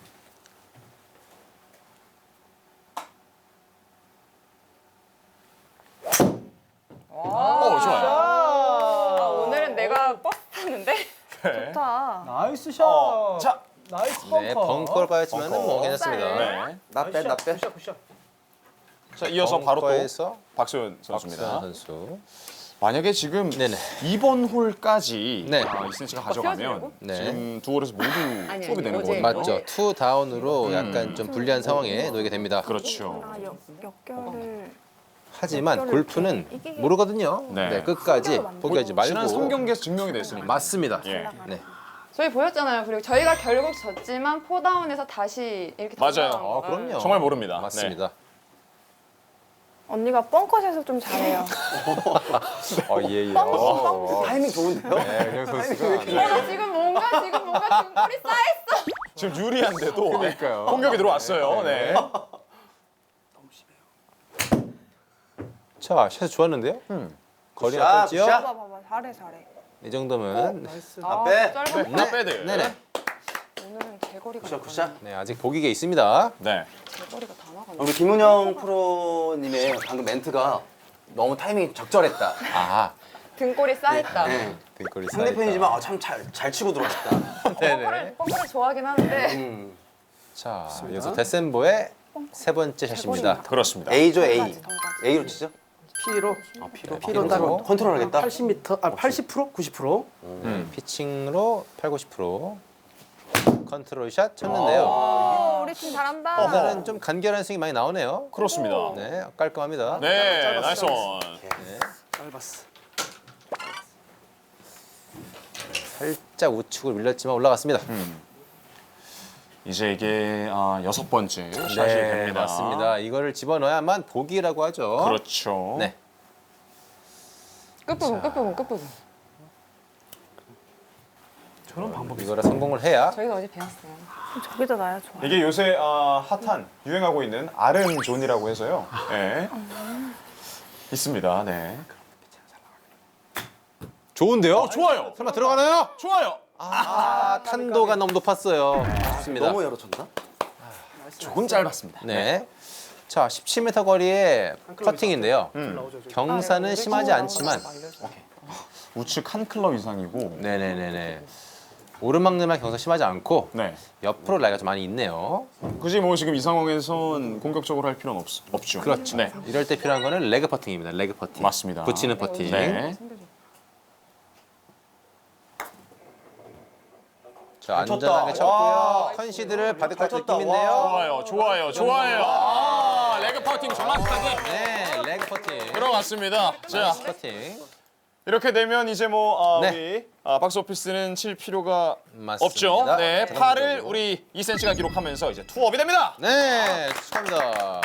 [SPEAKER 1] 오, 좋아요.
[SPEAKER 6] 아, 오늘은 내가 버스 탔는데
[SPEAKER 1] 네.
[SPEAKER 4] 좋다.
[SPEAKER 2] 나이스 샷.
[SPEAKER 1] 어, 자,
[SPEAKER 2] 나이스 벙커.
[SPEAKER 3] 네, 벙커를 빠졌지만
[SPEAKER 1] 벙커.
[SPEAKER 3] 뭐 괜찮습니다.
[SPEAKER 1] 네.
[SPEAKER 5] 나빼 나빼.
[SPEAKER 2] 굿샷 굿샷.
[SPEAKER 1] 자, 이어서 바로 또
[SPEAKER 3] 벙커에서
[SPEAKER 1] 박소연 선수입니다.
[SPEAKER 3] 박수현 선수.
[SPEAKER 1] 만약에 지금
[SPEAKER 3] 네네.
[SPEAKER 1] 이번 홀까지
[SPEAKER 3] 네.
[SPEAKER 1] 아, 이센치가 가져가면
[SPEAKER 6] 띄워주려고?
[SPEAKER 3] 네.
[SPEAKER 1] 지금 두 홀에서 모두
[SPEAKER 6] 아니,
[SPEAKER 1] 수업이 되는
[SPEAKER 6] 어제.
[SPEAKER 1] 거거든요.
[SPEAKER 3] 맞죠. 투 다운으로 약간 좀 불리한 상황에 놓이게 됩니다.
[SPEAKER 1] 그렇죠.
[SPEAKER 4] 아 역, 역결을
[SPEAKER 3] 하지만 골프는 모르거든요.
[SPEAKER 1] 네.
[SPEAKER 3] 네, 끝까지 포기하지 말고.
[SPEAKER 1] 지난 삼 경기에서 증명이 됐으니까.
[SPEAKER 3] 맞습니다.
[SPEAKER 1] 예.
[SPEAKER 3] 네.
[SPEAKER 6] 저희 보였잖아요. 그리고 저희가 결국 졌지만 포다운에서 다시 이렇게
[SPEAKER 1] 맞아요.
[SPEAKER 6] 돌아온
[SPEAKER 3] 어,
[SPEAKER 6] 거.
[SPEAKER 3] 그럼요.
[SPEAKER 1] 정말 모릅니다.
[SPEAKER 3] 맞습니다.
[SPEAKER 4] 언니가 뻥컷에서 좀 잘해요.
[SPEAKER 3] 어, 예, 예.
[SPEAKER 4] 뻥,
[SPEAKER 3] 어,
[SPEAKER 5] 타이밍 좋은데요?
[SPEAKER 3] 네, 윤영 선수가.
[SPEAKER 6] 어, 나 지금 뭔가 지금 뭔가 등골이 쌓였어.
[SPEAKER 1] 지금 유리한데도
[SPEAKER 3] 그러니까요.
[SPEAKER 1] 공격이 들어왔어요. 네.
[SPEAKER 3] 자, 샷 좋았는데요? 거리
[SPEAKER 5] 굿샷,
[SPEAKER 3] 어떨지요?
[SPEAKER 5] 굿샷.
[SPEAKER 4] 봐봐 봐봐 잘해 잘해.
[SPEAKER 3] 이 정도면
[SPEAKER 2] 나이스.
[SPEAKER 6] 아,
[SPEAKER 5] 빼.
[SPEAKER 6] 짧은
[SPEAKER 1] 네. 빼드.
[SPEAKER 3] 네네.
[SPEAKER 6] 오늘은 제거리가
[SPEAKER 5] 굿샷 굿샷.
[SPEAKER 3] 네, 아직 보기가 있습니다.
[SPEAKER 1] 네.
[SPEAKER 6] 제거리가 다 나가네.
[SPEAKER 5] 우리 김은영 프로님의 방금 멘트가 너무 타이밍이 적절했다.
[SPEAKER 3] 아,
[SPEAKER 6] 등골이 쌓였다.
[SPEAKER 5] 네.
[SPEAKER 3] 등골이
[SPEAKER 5] 상대편이지만 아, 참 잘 잘 치고 들어왔다.
[SPEAKER 3] 네네.
[SPEAKER 6] 뻥커를, 뻥커를 좋아하긴 하는데
[SPEAKER 5] 음.
[SPEAKER 3] 자, 이어서 데센보의 세 번째 샷입니다.
[SPEAKER 1] 그렇습니다.
[SPEAKER 5] A죠 A.
[SPEAKER 4] 덩까지, 덩까지.
[SPEAKER 5] A로 치죠?
[SPEAKER 2] P로.
[SPEAKER 5] 아 P로
[SPEAKER 3] P로
[SPEAKER 5] 딱
[SPEAKER 3] 따로
[SPEAKER 5] 컨트롤하겠다.
[SPEAKER 2] 팔십 미터. 아 팔십 퍼센트? 구십 퍼센트.
[SPEAKER 3] 음, 피칭으로 팔, 구십 퍼센트 컨트롤 샷 쳤는데요.
[SPEAKER 4] 오 우리 팀 잘한다.
[SPEAKER 3] 오늘은 좀 간결한 스윙이 많이 나오네요.
[SPEAKER 1] 그렇습니다.
[SPEAKER 3] 네, 깔끔합니다.
[SPEAKER 1] 네, 나이스 원.
[SPEAKER 2] 짧았어.
[SPEAKER 3] 살짝 우측으로 밀렸지만 올라갔습니다.
[SPEAKER 1] 이제 이게 아, 여섯 번째 샷이
[SPEAKER 3] 네,
[SPEAKER 1] 됩니다.
[SPEAKER 3] 맞습니다. 이거를 집어넣어야만 보기라고 하죠.
[SPEAKER 1] 그렇죠.
[SPEAKER 3] 네.
[SPEAKER 6] 끝부분, 끝부분, 끝부분.
[SPEAKER 2] 저런 방법이
[SPEAKER 3] 이거를 성공을 해야
[SPEAKER 6] 저희가 어제 배웠어요.
[SPEAKER 4] 저기다 놔야 좋아.
[SPEAKER 1] 이게 요새 아, 핫한 유행하고 있는 아른존이라고 해서요. 네. 있습니다. 네.
[SPEAKER 3] 좋은데요?
[SPEAKER 1] 어, 좋아요.
[SPEAKER 3] 설마 들어가나요?
[SPEAKER 1] 좋아요.
[SPEAKER 3] 아, 탄도가 너무 높았어요. 좋습니다.
[SPEAKER 5] 너무 열어쳤나?
[SPEAKER 1] 조금 짧았습니다.
[SPEAKER 3] 네. 자, 십칠 미터 거리의 퍼팅인데요.
[SPEAKER 2] 나오죠. 저기.
[SPEAKER 3] 경사는 심하지 않지만
[SPEAKER 1] 우측 한 클럽 이상이고.
[SPEAKER 3] 네네네네. 오르막내만 경사 심하지 않고
[SPEAKER 1] 네.
[SPEAKER 3] 옆으로 라이가 좀 많이 있네요.
[SPEAKER 1] 굳이 뭐 지금 이 상황에선 공격적으로 할 필요는 없, 없죠.
[SPEAKER 3] 그렇죠.
[SPEAKER 1] 네.
[SPEAKER 3] 이럴 때 필요한 거는 레그 퍼팅입니다. 레그 퍼팅.
[SPEAKER 1] 맞습니다.
[SPEAKER 3] 붙이는 퍼팅.
[SPEAKER 1] 네.
[SPEAKER 3] 자,
[SPEAKER 5] 잘 쳤다.
[SPEAKER 3] 안전하게 쳤고요.
[SPEAKER 5] 와.
[SPEAKER 3] 컨시드를 받을 것
[SPEAKER 5] 잘 쳤다.
[SPEAKER 3] 느낌인데요.
[SPEAKER 1] 좋아요, 좋아요, 좋아요. 아, 레그 퍼팅 정확하게
[SPEAKER 3] 네, 레그 퍼팅.
[SPEAKER 1] 들어갔습니다. 자,
[SPEAKER 3] 퍼팅.
[SPEAKER 1] 이렇게 되면 이제 뭐 아,
[SPEAKER 3] 네.
[SPEAKER 1] 우리 아, 박스 오피스는 칠 필요가
[SPEAKER 3] 맞습니다.
[SPEAKER 1] 없죠. 네,
[SPEAKER 3] 네.
[SPEAKER 1] 팔을 우리 이 센치가 기록하면서 이제 투업이 됩니다.
[SPEAKER 3] 네, 축하합니다.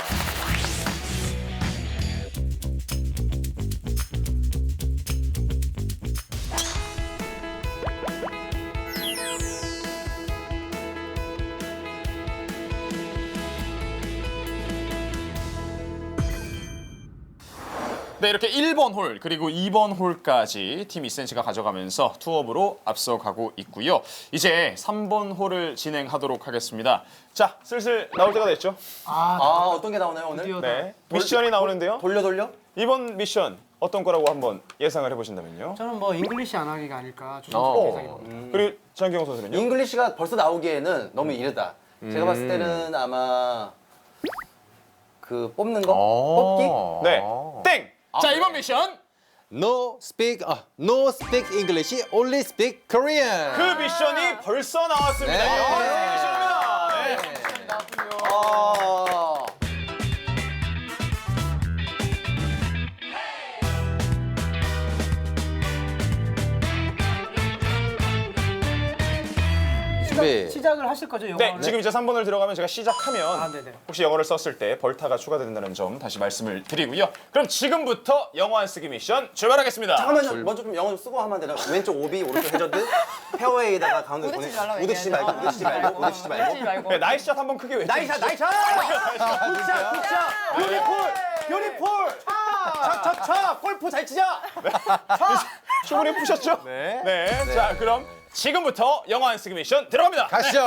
[SPEAKER 1] 네, 이렇게 일 번 홀 그리고 이 번 홀까지 팀 이 센치가 가져가면서 투업으로 앞서가고 있고요. 이제 삼 번 홀을 진행하도록 하겠습니다. 자, 슬슬 나올 때가 됐죠?
[SPEAKER 2] 아,
[SPEAKER 5] 아 어떤 게 나오나요 오늘?
[SPEAKER 2] 드디어
[SPEAKER 1] 네, 미션이 나오는데요.
[SPEAKER 5] 돌려 돌려?
[SPEAKER 1] 이번 미션 어떤 거라고 한번 예상을 해보신다면요.
[SPEAKER 2] 저는 뭐 잉글리시 안 하기가 아닐까 조심
[SPEAKER 3] 어.
[SPEAKER 2] 예상이 듭니다.
[SPEAKER 1] 그리고 장경호 선수는요?
[SPEAKER 5] 잉글리시가 벌써 나오기에는 너무 이르다. 제가 봤을
[SPEAKER 3] 음.
[SPEAKER 5] 때는 아마 그 뽑는 거?
[SPEAKER 3] 어.
[SPEAKER 5] 뽑기?
[SPEAKER 1] 네, 땡! 자, 이번 미션
[SPEAKER 3] No speak, 아, no speak English, only speak Korean.
[SPEAKER 1] 그 미션이 벌써 나왔습니다.
[SPEAKER 3] 네.
[SPEAKER 1] 영어의 미션입니다. 네.
[SPEAKER 5] 아.
[SPEAKER 3] 준비.
[SPEAKER 2] 시작을 하실 거죠,
[SPEAKER 1] 네,
[SPEAKER 2] 영어를?
[SPEAKER 1] 지금 이제 삼 번을 들어가면 제가 시작하면
[SPEAKER 2] 아, 네네.
[SPEAKER 1] 혹시 영어를 썼을 때 벌타가 추가된다는 점 다시 말씀을 드리고요. 그럼 지금부터 영어 안 쓰기 미션 출발하겠습니다.
[SPEAKER 5] 잠깐만요. 먼저 좀 영어 좀 쓰고 하면 안 되나? 왼쪽 오비, 오른쪽 해저드, 페어웨이에다가 가운데
[SPEAKER 6] 우드치지
[SPEAKER 5] 보내-
[SPEAKER 6] 말라고
[SPEAKER 5] 우드치지
[SPEAKER 6] 얘기해야
[SPEAKER 5] 말고, 우드치지 말고, 우드치지 말고.
[SPEAKER 6] 하지 말고.
[SPEAKER 1] 네, 나이스샷 한번 크게 외쳐.
[SPEAKER 5] 나이샷, 나이샷! 굿샷, 굿샷! 뷰티풀! 뷰티풀! 차, 차, 차! 골프 잘 치자!
[SPEAKER 1] 충분히 푸셨죠?
[SPEAKER 3] 네.
[SPEAKER 1] 네. 자, 그럼 지금부터 영어 안 쓰기 미션 들어갑니다.
[SPEAKER 3] 가시죠.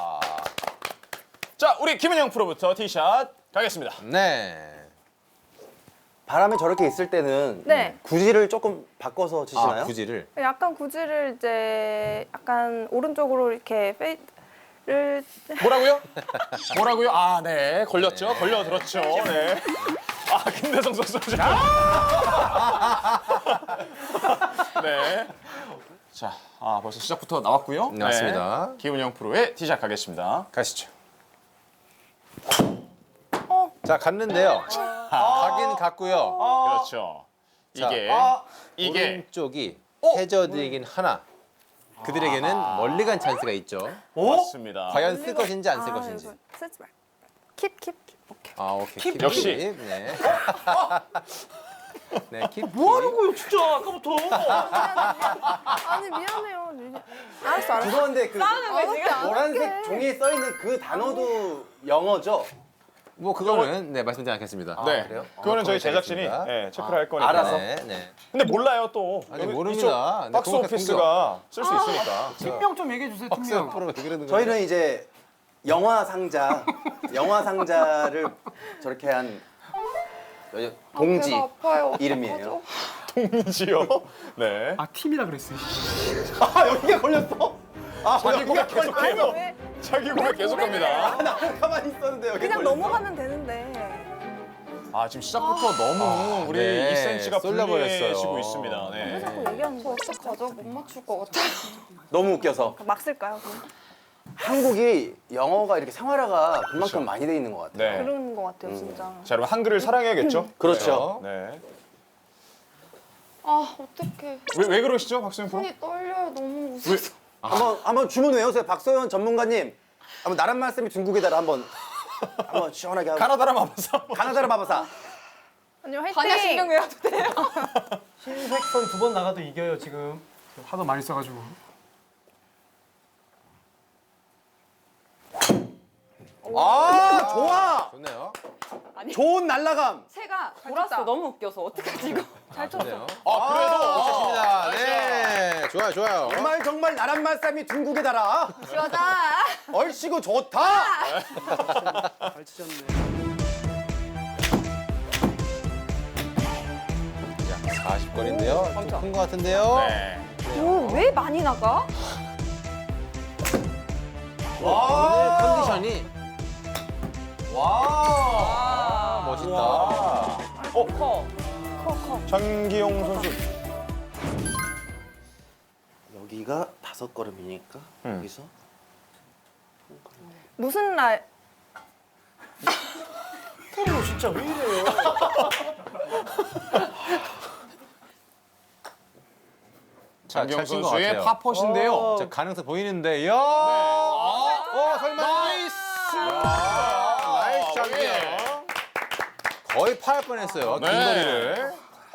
[SPEAKER 1] 자, 우리 김은영 프로부터 티샷 가겠습니다.
[SPEAKER 3] 네.
[SPEAKER 5] 바람이 저렇게 있을 때는
[SPEAKER 4] 네.
[SPEAKER 5] 구질을 조금 바꿔서 치시나요?
[SPEAKER 3] 아, 구지를.
[SPEAKER 4] 약간 구질을 이제 약간 오른쪽으로 이렇게 페이드를
[SPEAKER 1] 뭐라고요? 뭐라고요? 아, 네. 걸렸죠? 걸려들었죠. 네. 아, 김대성 선수. 네. 자, 아, 벌써 시작부터 나왔고요.
[SPEAKER 3] 네, 맞습니다.
[SPEAKER 1] 김은영 프로의 티샷 가겠습니다.
[SPEAKER 3] 가시죠.
[SPEAKER 4] 어.
[SPEAKER 3] 자, 갔는데요. 가긴 갔고요.
[SPEAKER 1] 그렇죠.
[SPEAKER 3] 자,
[SPEAKER 1] 이게
[SPEAKER 5] 아,
[SPEAKER 1] 이게
[SPEAKER 3] 오른쪽이
[SPEAKER 1] 어?
[SPEAKER 3] 해저드이긴 하나. 그들에게는 멀리 간 찬스가 있죠.
[SPEAKER 1] 맞습니다.
[SPEAKER 3] 과연 쓸 것인지 안 쓸
[SPEAKER 4] 아,
[SPEAKER 3] 것인지.
[SPEAKER 4] 이거 쓰지 말. 킵 킵. 오케이.
[SPEAKER 3] 아, 오케이. 킵,
[SPEAKER 1] 역시.
[SPEAKER 3] 킵. 네. 네, 킵.
[SPEAKER 2] 뭐 하는 거예요, 진짜 아까부터?
[SPEAKER 4] 아니 미안해요. 미안- 알았어 알았어.
[SPEAKER 5] 죄송한데 그
[SPEAKER 4] 어렵게 안
[SPEAKER 5] 노란색
[SPEAKER 4] 할게.
[SPEAKER 5] 종이에 써 있는 그 단어도 영어죠?
[SPEAKER 3] 뭐 그거는 네, 말씀드리지 않겠습니다.
[SPEAKER 1] 네.
[SPEAKER 5] 그래요?
[SPEAKER 1] 그거는
[SPEAKER 3] 아,
[SPEAKER 1] 저희
[SPEAKER 3] 거기까지
[SPEAKER 1] 제작진이
[SPEAKER 3] 있습니다.
[SPEAKER 1] 네, 체크를 할 거니까.
[SPEAKER 5] 알아서.
[SPEAKER 3] 네, 네.
[SPEAKER 1] 근데 몰라요 또.
[SPEAKER 3] 아니,
[SPEAKER 1] 여기
[SPEAKER 3] 모릅니다.
[SPEAKER 1] 이쪽
[SPEAKER 3] 네,
[SPEAKER 1] 박스
[SPEAKER 3] 공격,
[SPEAKER 1] 오피스가 쓸 수 있으니까.
[SPEAKER 2] 팀명 좀 얘기해 주세요,
[SPEAKER 3] 박수
[SPEAKER 2] 팀명.
[SPEAKER 3] 프로 왜 그러는 거예요?
[SPEAKER 5] 저희는 이제 영화 상자, 영화 상자를 저렇게 한 여- 동지
[SPEAKER 6] 배가 아파요.
[SPEAKER 5] 이름이에요.
[SPEAKER 1] 동지요. 네.
[SPEAKER 2] 아, 팀이라 그랬어요.
[SPEAKER 5] 아 여기가 걸렸어? 아
[SPEAKER 1] 자기 고백
[SPEAKER 4] 아니
[SPEAKER 1] 계속해요.
[SPEAKER 4] 왜
[SPEAKER 1] 자기 고백 계속합니다.
[SPEAKER 5] 나 가만히 있었는데 여기
[SPEAKER 4] 그냥
[SPEAKER 5] 걸렸어?
[SPEAKER 4] 넘어가면 되는데.
[SPEAKER 1] 아 지금 시작부터 너무 우리
[SPEAKER 3] 네.
[SPEAKER 1] 이 센치가
[SPEAKER 3] 쏠려버렸어요.
[SPEAKER 1] 불리해지고 있습니다.
[SPEAKER 4] 왜
[SPEAKER 1] 네.
[SPEAKER 4] 자꾸 얘기하는 거
[SPEAKER 6] 어떡하죠? 못 맞출 것 같아요.
[SPEAKER 5] 너무 웃겨서
[SPEAKER 4] 막 쓸까요? 그럼?
[SPEAKER 5] 한국이 영어가 이렇게 생활화가 그만큼
[SPEAKER 1] 그렇죠.
[SPEAKER 5] 많이 돼 있는 것 같아요.
[SPEAKER 1] 네.
[SPEAKER 4] 그런 거 같아요 진짜.
[SPEAKER 1] 자 여러분 한글을 사랑해야겠죠?
[SPEAKER 5] 그렇죠.
[SPEAKER 1] 네.
[SPEAKER 6] 아, 어떡해.
[SPEAKER 1] 왜, 왜 그러시죠, 박수현 프로?
[SPEAKER 6] 손이 떨려요. 너무 웃어서.
[SPEAKER 5] 한번 한번 주문 외우세요, 박소연 전문가님. 한번 나란 말씀이 중국에다가 한번 한번 시원하게 하고.
[SPEAKER 1] 가나다라 마법사.
[SPEAKER 5] 가나다라 바바사.
[SPEAKER 4] 언니 화이팅!
[SPEAKER 6] 반야 신경 외워도 돼요?
[SPEAKER 2] 흰색 선 두 번 나가도 이겨요 지금. 하도 많이 써가지고.
[SPEAKER 5] 아 좋아.
[SPEAKER 3] 좋네요.
[SPEAKER 5] 좋은 날라감.
[SPEAKER 6] 새가 돌았어. 너무 웃겨서 어떡하지 이거?
[SPEAKER 3] 잘 쳤네요.
[SPEAKER 1] 아, 그래도
[SPEAKER 3] 좋습니다. 네, 좋아요, 좋아요.
[SPEAKER 5] 정말 정말 나란 말씀이 둥국에 달아.
[SPEAKER 6] 시원하다.
[SPEAKER 5] 얼씨구 좋다.
[SPEAKER 2] 잘 치셨네.
[SPEAKER 3] 사십 거리인데요. 좀 큰 것 같은데요.
[SPEAKER 1] 네.
[SPEAKER 6] 오, 왜 많이 나가?
[SPEAKER 3] 오늘 컨디션이
[SPEAKER 5] 와.
[SPEAKER 3] 멋있다.
[SPEAKER 6] 커. 커, 커.
[SPEAKER 5] 장기용 선수.
[SPEAKER 7] 여기가 다섯 걸음이니까 여기서
[SPEAKER 4] 무슨 날?
[SPEAKER 5] 너 진짜 왜 이래요?
[SPEAKER 3] 자,
[SPEAKER 1] 장기용
[SPEAKER 3] 잘친것
[SPEAKER 1] 선수의
[SPEAKER 3] 같아요.
[SPEAKER 1] 파펫인데요.
[SPEAKER 3] 자, 가능성 보이는데, 요 어, 설마.
[SPEAKER 1] 나이스!
[SPEAKER 3] 나이스 장기용.
[SPEAKER 1] 예.
[SPEAKER 3] 거의 파할 뻔했어요. 긴
[SPEAKER 1] 네.
[SPEAKER 3] 거리를.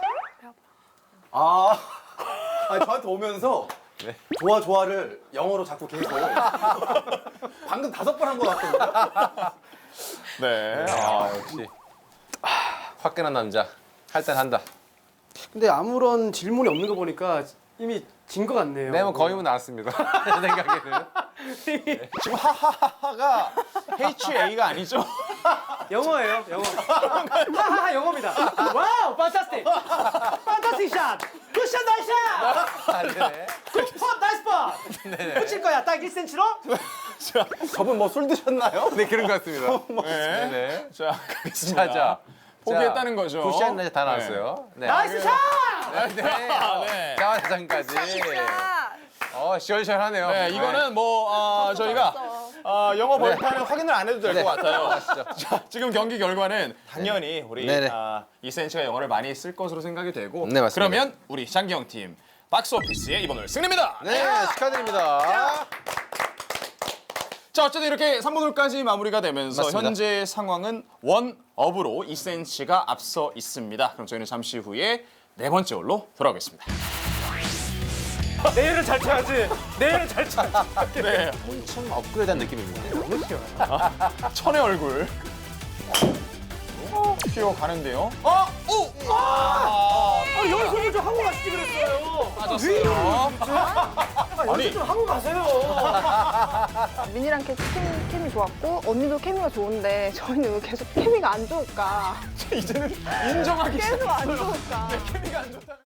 [SPEAKER 5] 아, 아니 저한테 오면서
[SPEAKER 3] 네.
[SPEAKER 5] 좋아 좋아를 영어로 자꾸 계속. 방금 다섯 번 한 것 같거든요.
[SPEAKER 1] 네.
[SPEAKER 3] 아, 역시. 화끈한 남자. 할단한다.
[SPEAKER 2] 근데 아무런 질문이 없는 거 보니까 이미 진 것 같네요.
[SPEAKER 3] 네, 뭐 거의 뭐 나왔습니다. 제 생각에는.
[SPEAKER 1] 지금 하하하가 에이치 에이가 아니죠?
[SPEAKER 2] 영어예요, 영어. 하하하 영어입니다. 와우, 판타스틱. 판타스틱 샷. 굿샷, 나이스 샷.
[SPEAKER 3] 안 되네.
[SPEAKER 2] 굿, 나이스 팟.
[SPEAKER 3] 네네.
[SPEAKER 2] 붙일 거야, 딱 일 센티미터로.
[SPEAKER 5] 저분 뭐 술 드셨나요?
[SPEAKER 3] 네, 그런 것 같습니다.
[SPEAKER 1] 네.
[SPEAKER 3] 네네.
[SPEAKER 1] 자, 가겠습니다.
[SPEAKER 3] 자, 자.
[SPEAKER 1] 포기했다는 거죠.
[SPEAKER 3] 굿샷 나이스 다 나왔어요. 네.
[SPEAKER 2] 나이스 샷.
[SPEAKER 3] 네.
[SPEAKER 1] 네.
[SPEAKER 3] 자화자장까지. 어, 시원시원하네요.
[SPEAKER 1] 네, 이거는 뭐 어, 저희가 어, 영어 벌판은 확인을 안 해도 될 것
[SPEAKER 3] 네.
[SPEAKER 1] 같아요.
[SPEAKER 3] 아시죠?
[SPEAKER 1] 자, 지금 경기 결과는 당연히 우리
[SPEAKER 3] 네네.
[SPEAKER 1] 아, 이 센치가 영어를 많이 쓸 것으로 생각이 되고
[SPEAKER 3] 네, 맞습니다.
[SPEAKER 1] 그러면 우리 장기영 팀 박스 오피스의 이번 홀 승리입니다.
[SPEAKER 3] 네, 축하드립니다.
[SPEAKER 1] 자, 어쨌든 이렇게 삼 번 홀까지 마무리가 되면서
[SPEAKER 3] 맞습니다.
[SPEAKER 1] 현재 상황은 원업으로 이 센치가 앞서 있습니다. 그럼 저희는 잠시 후에 네 번째 홀로 돌아오겠습니다.
[SPEAKER 2] 내일은 잘 쳐야지. 내일은 잘 쳐야지.
[SPEAKER 1] 네,
[SPEAKER 3] 참 업그레이드한 느낌입니다.
[SPEAKER 1] 천의 얼굴. 튀어 가는데요. 어, 오, 아,
[SPEAKER 2] 아, 영어 소리 좀 하고 가시지 그랬어요.
[SPEAKER 1] 빠졌어요. 아니,
[SPEAKER 2] 좀 하고 가세요.
[SPEAKER 4] 민이랑 케- 케미, 케미 좋았고 언니도 케미가 좋은데 저희는 왜 계속 케미가 안 좋을까?
[SPEAKER 1] 이제는 인정하기
[SPEAKER 4] 계속 안 좋을까?
[SPEAKER 1] 케미가 안 좋다.